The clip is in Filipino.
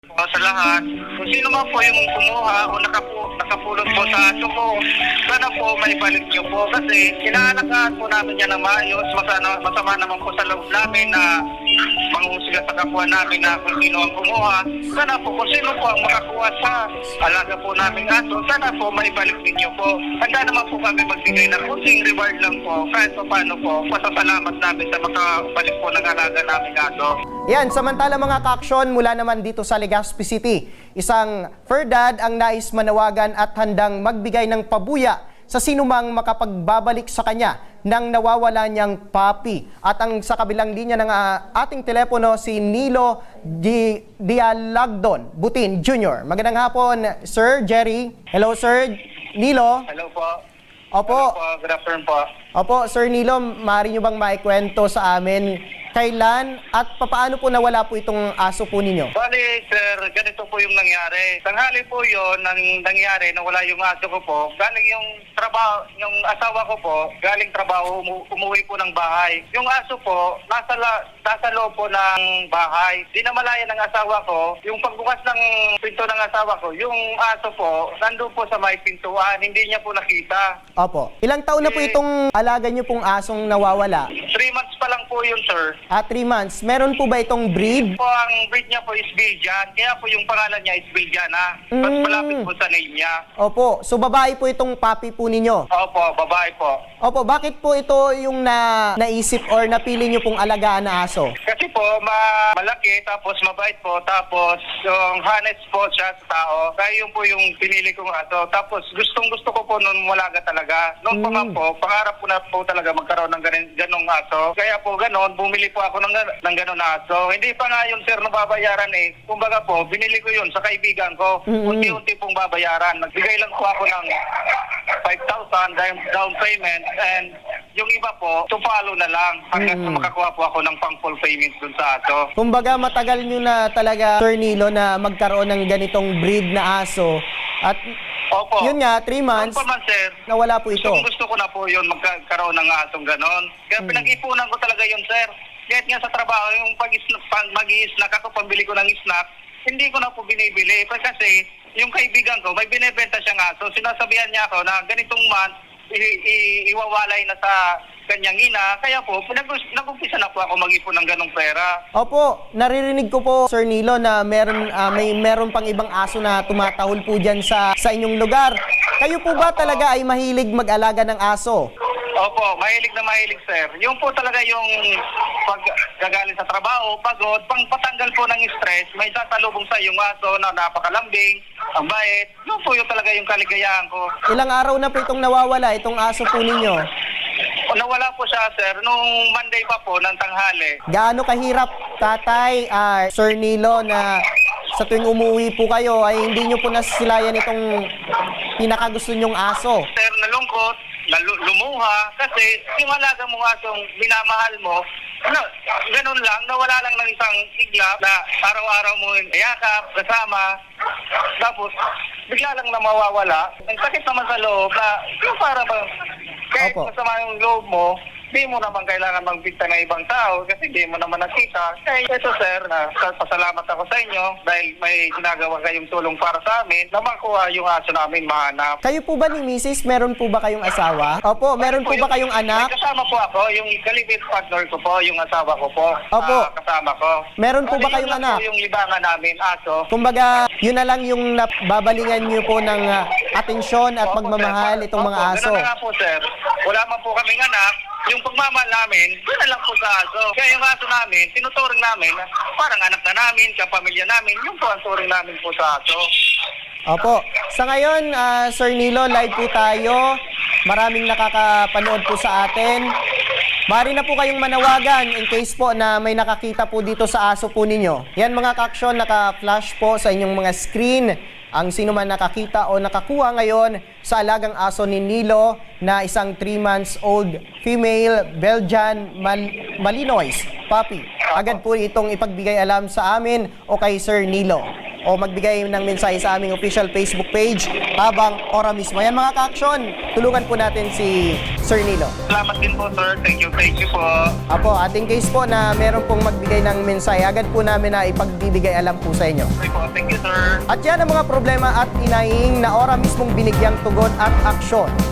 po sa lahat. Kung sino man po yung kumuha o nakapulot po sa aso ko, sana po may balik niyo po kasi inaalagaan po namin yan na maayos. Masama naman po sa loob namin na manghusga sa kapwa namin na kung sino ang kumuha. Sana po kung sino po ang makakuha sa alaga po namin aso, sana po may balik ninyo po. Handa naman po kami magbigay ng kunting reward lang po kahit pa paano po pasasalamat namin sa makabalik po ng alaga namin aso. Yan, samantala mga ka-aksyon mula naman dito sa Legazpi City, isang fur dad ang nais manawagan at handang magbigay ng pabuya sa sinumang makapagbabalik sa kanya ng nawawala niyang puppy. At ang sa kabilang linya ng ating telepono si Nilo Dialagdon Butin Jr. Magandang hapon, Sir Jerry. Hello, Sir Nilo. Hello po. Opo. Hello po. Good afternoon po. Opo, Sir Nilo, maaari niyo bang maikwento sa amin kailan at papaano po nawala po itong aso po ninyo? Bali, sir, ganito po yung nangyari. Tanghali po yun, nangyari, nawala yung aso ko po. Galing yung trabaho, yung asawa ko po, galing trabaho, umuwi po ng bahay. Yung aso po, nasa loob po ng bahay. Di na malaya ng asawa ko, yung pagbukas ng pinto ng asawa ko, yung aso po, nandun po sa may pintuan, hindi niya po nakita. Opo. Ilang taon na po itong alaga niyo pong asong nawawala? 3 months pa lang po yun, sir. 3 months. Meron po ba itong breed? Po, ang breed niya po is Belgian. Kaya po yung pangalan niya is Belgiana. Mas malapit po sa name niya. Opo. So babae po itong puppy po ninyo? Opo, babae po. Opo. Bakit po ito yung naisip or napili niyo pong alagaan na aso? Kasi po, malaki, tapos mabait po, tapos yung honest po siya sa tao. Kaya yun po yung pinili kong aso. Tapos gustong-gusto ko po nung malaga talaga. Noong pa man po, pangarap ko na po talaga magkaroon ng ganong aso. Kaya po ganon, bumili po ako ng ganon aso. Hindi pa nga yun, sir, nababayaran eh. Kumbaga po, binili ko yun sa kaibigan ko. Unti-unti pong babayaran. Nagbigay lang po ako ng 5,000 down payment and yung iba po, to follow na lang hanggang sa makakuha po ako ng pang-full payment dun sa aso. Kumbaga matagal nyo na talaga, Sir Nilo, na magkaroon ng ganitong breed na aso. At Opo. yun nga, 3 months, Opo man, sir. nawala po ito. Gusto ko na po yun magkaroon ng asong ganon. Kaya pinag-ipunan ko talaga yun, sir. Kahit nga sa trabaho, yung mag-i-snack ako, pambili ko ng snack, hindi ko na po binibili. Kasi yung kaibigan ko, may binibenta siyang aso. Sinasabihan niya ako na ganitong month, iwawalay na sa kanyang ina. Kaya po, nag-umpisa na po ako mag-ipon ng ganong pera. Opo, naririnig ko po, Sir Nilo, na meron pang ibang aso na tumatahol po dyan sa inyong lugar. Kayo po ba talaga ay mahilig mag-alaga ng aso? Opo, mahilig na mahilig, sir. Yung po talaga yung paggagaling sa trabaho, pagod, pang patanggal po ng stress, may sasalubong sa yung aso na napakalambing, ang bait. Yun po yung talaga yung kaligayahan ko. Ilang araw na po itong nawawala, itong aso po ninyo? Nawala po siya, sir, nung Monday pa po ng tanghali. Gaano kahirap, tatay, Sir Nilo, na sa tuwing umuwi po kayo ay hindi nyo po nasisilayan itong pinakagusto nyong aso? Sir, nalungkot, lumuha, kasi yung alaga mong asong minamahal mo, ganun lang, nawala lang ng isang iglap na araw-araw mo iyakap, kasama, tapos bigla lang na mawawala. Ang sakit naman sa loob na yung para ba, kahit Opo. masama yung loob mo, di mo naman kailangan magbigta ng ibang tao kasi di mo naman nakita. Kaya ito, sir, pasalamat ako sa inyo dahil may ginagawa kayong tulong para sa amin na makuha yung aso namin mahanap. Kayo po ba ni Mrs., meron po ba kayong asawa? Opo, meron po ba kayong anak? May kasama po ako, yung kalibit partner ko po, yung asawa ko po. Opo. Kasama ko. Meron po ba Yun kayong lang anak? po yung libangan namin, aso. Kumbaga, yun na lang yung babalingan nyo po ng atensyon at Opo, pagmamahal sir. itong mga Opo, aso. ganun na nga po, sir. Wala man po kaming anak. Yung pagmamahal namin, doon na lang po sa aso. Kaya yung aso namin, tinuturing namin, parang anak na namin, kapamilya namin, yung po ang turing namin po sa aso. Opo. Sa ngayon, Sir Nilo, live po tayo. Maraming nakakapanood po sa atin. Mari na po kayong manawagan in case po na may nakakita po dito sa aso po ninyo. Yan mga ka-aksyon, naka-flash po sa inyong mga screen ang sino man nakakita o nakakuha ngayon sa alagang aso ni Nilo na isang 3 months old female Belgian Malinois puppy. Agad po itong ipagbigay alam sa amin o kay Sir Nilo o magbigay ng mensahe sa aming official Facebook page habang ora mismo. Yan mga ka-aksyon, tulungan po natin si Sir Nilo. Salamat din po, sir. Thank you po. Apo, ating case po na meron pong magbigay ng mensahe, agad po namin na ipagbibigay alam po sa inyo. Okay po, thank you, sir. At yan ang mga problema at inaing na ora mismong binigyang tugon at aksyon